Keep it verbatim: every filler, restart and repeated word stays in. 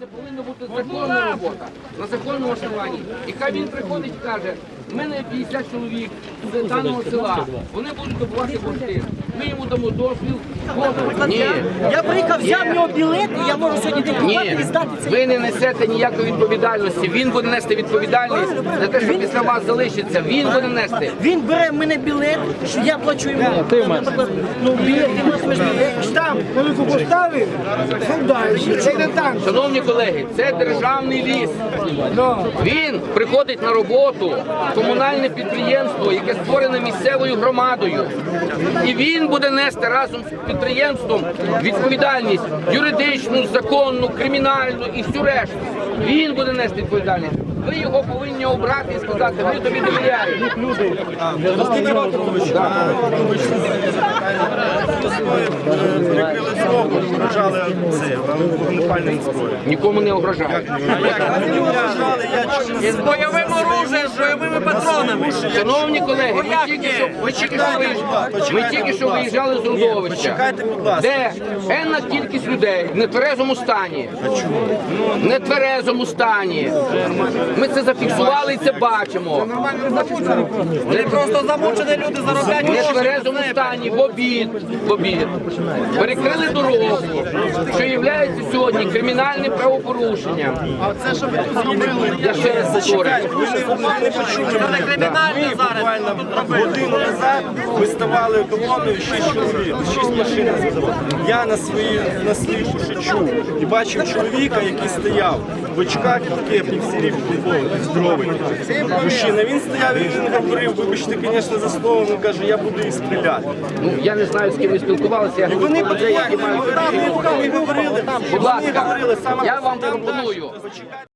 це повинна бути законна робота, на законному основанні. І хай він приходить і каже, в мене п'ятдесят чоловік з даного села, вони будуть добувати бурштин. Ми йому дамо дозвіл. Ні. Я приїхав, взяв його білет, і я можу сьогодні диктувати Ні, і здати цей. ви не несете ніякої відповідальності. Він буде нести відповідальність за те, що після вас залишиться. Він буде нести. Він бере в мене білет, що я плачу йому. Наприклад, ну, білет, ти матимеш білет, штамп, велику поставив, далі. Це не так. Шановні колеги, це державний ліс. Він приходить на роботу в комунальне підприємство, яке створене місцевою громадою. І він буде нести разом з підприємством відповідальність юридичну, законну, кримінальну і всю решту. Він буде нести відповідальність. Ви його повинні обрати і сказати, ми тобі довіряємо. Прикрили дорогу, вражали це, вогнепальним зброєм. Нікому не огрожають. З бойовим оружием, з бойовими патронами. Шановні колеги, ми тільки що, ми тільки що, виїжджали, ми тільки що виїжджали з Рудовища, Почекайте, будь ласка. де енна кількість людей в нетверезому стані. В нетверезому стані. Ми це зафіксували і це бачимо. Вони просто замучені люди заробляють В нетверезому стані, в обід, в обід. Перекрили дорогу, що є сьогодні кримінальним правопорушенням. Я ще раз повторюю. Це не кримінально зараз. Буквально годину назад ми ставали колоною шість чоловік, шість машин. Я на свої на свої уші чув і бачив чоловіка, який стояв в очках і в кепі, в сірій футболці, здоровий. Мужчина, він стояв і він говорив, вибачте, звісно, за словом, він каже, я буду їх стріляти. Ну, я не знаю, з ким ви спілкувалися, я І говорю вони про людей, які підходили, мають... ми говорили, Будь вони ласка, говорили, саме я вам там пропоную. далі.